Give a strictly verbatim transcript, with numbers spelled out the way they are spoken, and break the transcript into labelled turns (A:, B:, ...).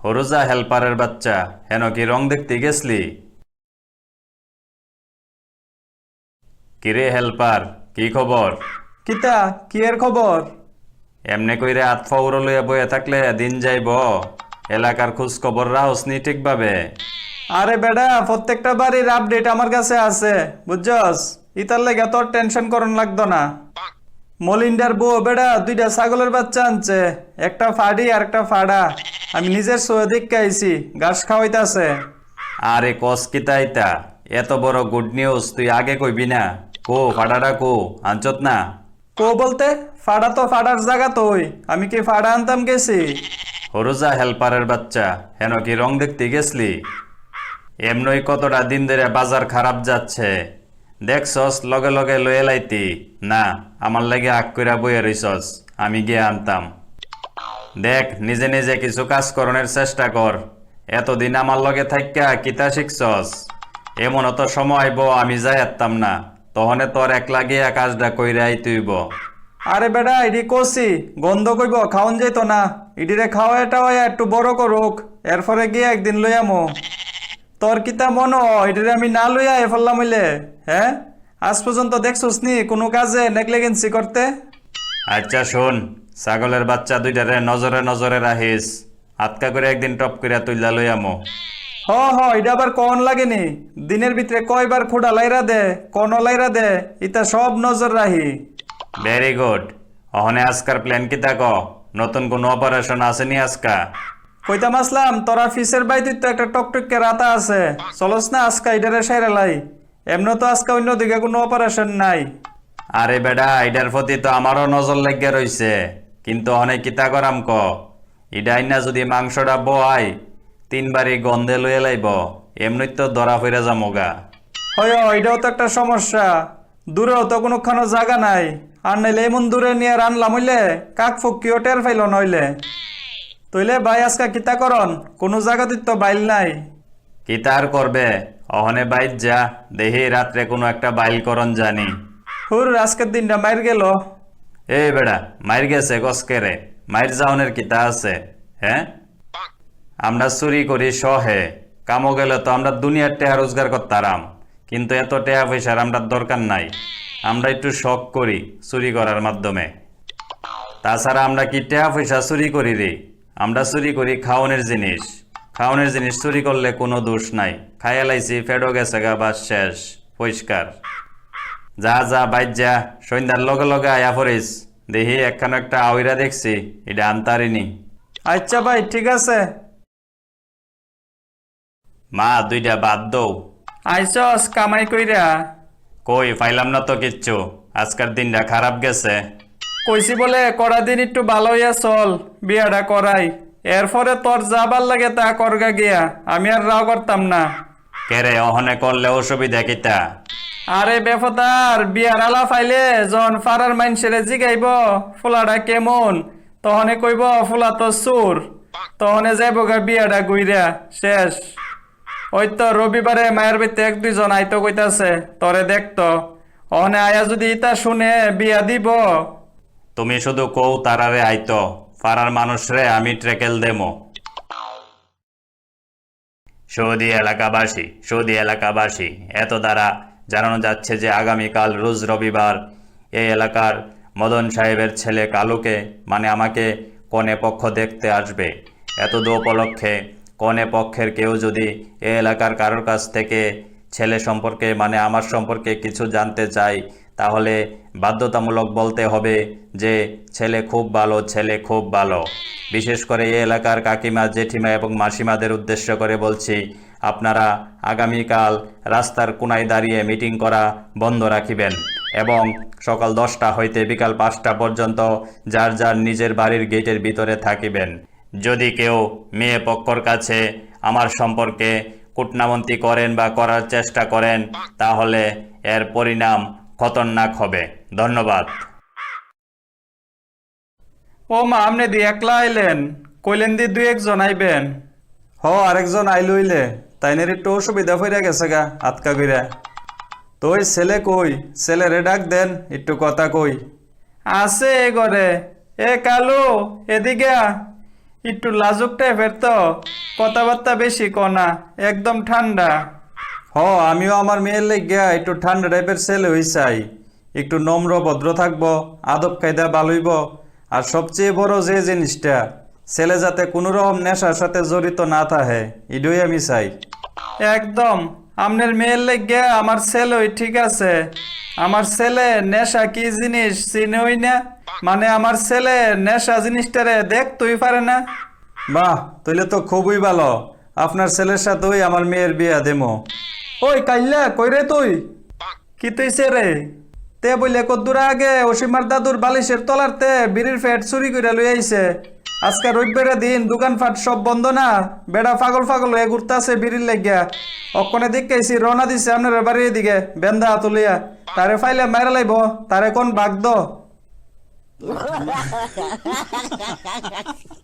A: হরুজা হেল্পারের বাচ্চা, হেন কি রং দেখতে গেছলি? কিরে হেল্পার, কি খবর?
B: কিতা কি এর খবর?
A: এমনে কইরে আতফা উড়ো লইয়া বইয়া থাকলে দিন যাইব। এলাকার খোঁজ খবর রাহসনি ঠিকভাবে?
B: আরে বেডা, প্রত্যেকটা বাড়ির আপডেট আমার কাছে আছে, বুঝছস? ইতার লেগে তোর টেনশন করন লাগতো না। মলিন্ডার বউ বেডা দুইটা ছাগলের বাচ্চা আনছে, একটা ফাড়ি আর একটা ফাড়া। আমি নিজের সয়ে দেখে আইছি, ঘাস খাওয়াইতাছে।
A: আরে কস কিতা ইতা? এত বড় গুড নিউজ তুই আগে কইবি না? কো ফাডাডা কো আনচত না?
B: কো বলতে? ফাড়া তো ফাড়ার জায়গা তোই, আমি কি ফাড়া আনতাম গেছি?
A: হরুজা হেল্পারের বাচ্চা, হেন কি রং দেখতে গেছলি? এমনই কতটা দিন ধরে বাজার খারাপ যাচ্ছে, দেখছস লগে লগে লয়ে লাইতি না? আমার লাগে আগ কইরা বইয়া রইছস, আমি গিয়ে আনতাম। দেখ নিজে নিজে কিছু কাজ করণের চেষ্টা কর। এতদিন আমার লগে থাইক্কা কিতা শিখছস? এমন তো সময় আইব আমি যাই আত্তাম না, তহনে তোর একলা গিয়া কাজটা কইরাই তুইব।
B: আরে বেডা, ইডি কষি গন্ধ কইব, খাওন যাইতো না। ইডিরে খাওয়া এটা একটু বড় করুক, এরপরে গিয়ে একদিন লইয়ামো। তোর কিতা মন এটিরে আমি না লইয়া এ ফেললাম হইলে? হ্যাঁ, আজ পর্যন্ত দেখছস নি কোনো কাজে নেগলিগেন্সি করতে?
A: আচ্ছা শোন, ছাগলের বাচ্চা দুইটারে নজরে নজরে রাখিস, আটকা করে একদিন টপ করিয়া তুইলা লইয়ামো।
B: হ হ, এটা আবার কন লাগেনি? দিনের ভিতরে কয়বার খোড়া লাইরা দে, কন লাইরা দে, ইতা সব নজর রাহি।
A: Very good. অহনে আজকার প্ল্যান কিতা ক? নতুন কোন অপারেশন আসেনি আজকা?
B: কইতাম আসলাম তোরা ফিসের বাইতে তো একটা টকটকে রাতা আছে, চলস না আজকা ইডারে সাইরা লাই। এমন তো আজকা অন্যদিকে কোনো অপারেশন নাই।
A: আরে বেডা, এটার প্রতি তো আমারও নজর লাগিয়া রইছে, কিন্তু অনেক কিতা করাম ক? ইডাই না যদি মাংসটা বয় তিনবারই গন্ধে লইয়া লাইব, এমনি তো ধরা ফিরে যামোগা।
B: হয়, এটাও তো একটা সমস্যা। দূরেও তো কোনোখানো জায়গা নাই, আর নাইলে এমন দূরে নিয়ে রানলাম হইলে কাক ফুকিও টের ফাইল নইলে। তইলে ভাই আজকা কিতা করন? কোনো জায়গাতে তো বাইল নাই।
A: কিতা আর করবে, অহনে বাইর যা, দেহি রাত্রে কোনো একটা বাইল করন জানি।
B: হুর, আজকের দিনটা মাইর গেল।
A: এই বেড়া, মাইর গেছে গসকেরে, মাইর যাওনের কিতা আছে? হ্যাঁ, আমরা চুরি করি সহে, কামো গেলে তো আমরা দুনিয়ার টেহা রোজগার করতারাম, কিন্তু এত টেহা পয়সার আমরা দরকার নাই। আমরা একটু শখ করি চুরি করার মাধ্যমে। তাছাড়া আমরা কি টেহা পয়সা চুরি করি রে? আমরা চুরি করি খাওনের জিনিস। খাওনের জিনিস চুরি করলে কোনো দোষ নাই, খাইয়া লাইছি ফেডো গেছে গা, বাস শেষ, পরিষ্কার। যা যা বাইর যা, সন্ধ্যার লগে লগে আয়া পড়িস। দেখি একখান একটা আউইরা দেখছি, এটা আনতারিনি।
B: আচ্ছা ভাই, ঠিক আছে।
A: মা দুইটা বাদ দৌ।
B: আইসস কামাই কইরা?
A: কই পাইলাম না তো কিচ্ছু, আজকের দিনটা খারাপ গেছে।
B: কইছি বলে করা দিন একটু ভালো হইয়া চল, বিয়াটা করাই। এরপরে তোর যাবার লাগে তা করগা গিয়া, আমি আর রাও করতাম না।
A: কেরে অহনে করলে অসুবিধা কিতা?
B: আরে বেফতার, বিয়ার আলা ফাইলে যখন ফারার মাইনসেরে জিগাইব ফুলাটা কেমন, তহনে কইব ফুলা তো সুর, তহনে যাইব গা বিয়াটা গুইরা শেষ। ওই তো রবিবারে মায়ের বাড়িতে এক দুইজন আইতো কইতাছে তরে দেখতো, অহনে আয়া যদি ইতা শুনে বিয়া দিব।
A: তুমি শুধু কৌ তারারে আইতো, পাড়ার মানুষরে আমি ট্রেকেল দেমো। সৌদি এলাকাবাসী সৌদি এলাকাবাসী এত দ্বারা জানানো যাচ্ছে যে আগামীকাল রোজ রবিবার এই এলাকার মদন সাহেবের ছেলে কালুকে, মানে আমাকে, কনে পক্ষ দেখতে আসবে। এত দু উপলক্ষে কনে পক্ষের কেউ যদি এই এলাকার কারোর কাছ থেকে ছেলে সম্পর্কে, মানে আমার সম্পর্কে কিছু জানতে চাই, তাহলে বাধ্যতামূলক বলতে হবে যে ছেলে খুব ভালো, ছেলে খুব ভালো। বিশেষ করে এই এলাকার কাকিমা, জেঠিমা এবং মাসিমাদের উদ্দেশ্য করে বলছি, আপনারা আগামীকাল রাস্তার কোনায় দাঁড়িয়ে মিটিং করা বন্ধ রাখিবেন এবং সকাল দশটা হইতে বিকাল পাঁচটা পর্যন্ত যার যার নিজের বাড়ির গেটের ভিতরে থাকিবেন। যদি কেউ মেয়ে পক্ষর কাছে আমার সম্পর্কে কূটনামন্তি করেন বা করার চেষ্টা করেন, তাহলে এর পরিণাম খতরনাক হবে। ধন্যবাদ।
B: ও মা, আমনে দি একলা আইলেন? কইলেন দি দুই একজন আইবেন। হ, আরেকজন আইল হইলে, তাইনের একটু অসুবিধা হইয়া গেছে গা আতকা কইরা। তো ওই ছেলে কই? ছেলেরে ডাক দেন, একটু কথা কই। আছে এ ঘরে। এ কালু, এদিকে আ। একটু লাজুক টাইপের তো, কথাবার্তা বেশি কনা, একদম ঠান্ডা। হ, আমিও আমার মেয়ের লেগিয়া একটু ঠান্ডা টাইপের ছেলে হই চাই। একটু নম্র ভদ্র থাকবো, আদব কায়দা ভালোইব, আর সবচেয়ে বড় যে জিনিসটা, ছেলে যাতে কোনো রকম নেশার সাথে জড়িত না থাকে, এটাই আমি চাই। একদম, আপনার মেয়ের লেগে আমার ছেলেই ঠিক আছে। আমার ছেলে নেশা কি জিনিস চিনই না, মানে আমার ছেলে নেশা জিনিসটারে দেখতেই পারে না। বাহ, তাইলে তো খুবই ভালো। আপনার ছেলের সাথেই আমার মেয়ের বিয়া দেমো। ওই কাইল্লা কই রে তুই? কি তুইছে রে? তে বইলে কদ্দুর আগে অসীমার দাদুর বালিশের তলারতে বিড়ির ফ্যাট চুরি করে লই আইছে। আজকে রবিবারের দিন দোকানপাট সব বন্ধ না, বেড়া পাগল পাগল হয়ে ঘুরতাছে বিড়ির লাগিয়া। অক্ষণে দেখেছি রওনা দিছে আপনার বাড়ির দিকে বেন্দা তুলিয়া। তারে ফাইলে মাইরা লাইব, তারে কোন বাগদ।